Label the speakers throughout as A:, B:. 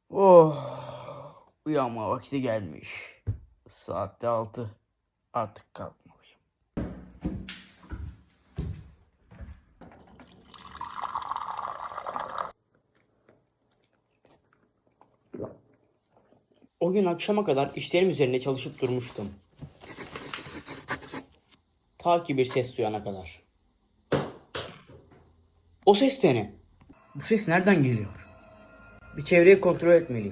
A: Oh, uyanma vakti gelmiş. Saatte 6. Artık kalkmalıyım.
B: O gün akşama kadar işlerim üzerine çalışıp durmuştum. Ta ki bir ses duyana kadar. O ses de ne?
A: Bu ses nereden geliyor? Bir çevreyi kontrol etmeliyim.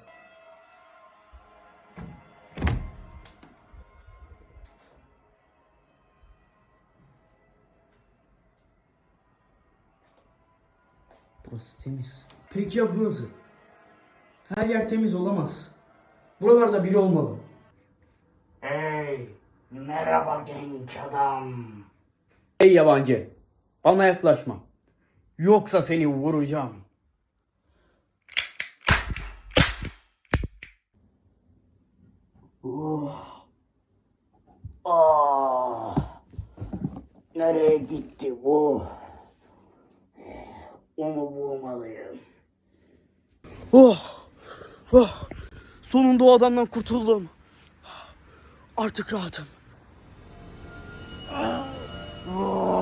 A: Burası temiz.
C: Peki ya burası? Her yer temiz olamaz. Buralarda biri olmalı.
A: Hey, merhaba genç adam. Hey yabancı, bana yaklaşma. Yoksa seni vuracağım. Nereye gitti bu? Onu bulmalıyım. Sonunda o adamdan kurtuldum. Artık rahatım.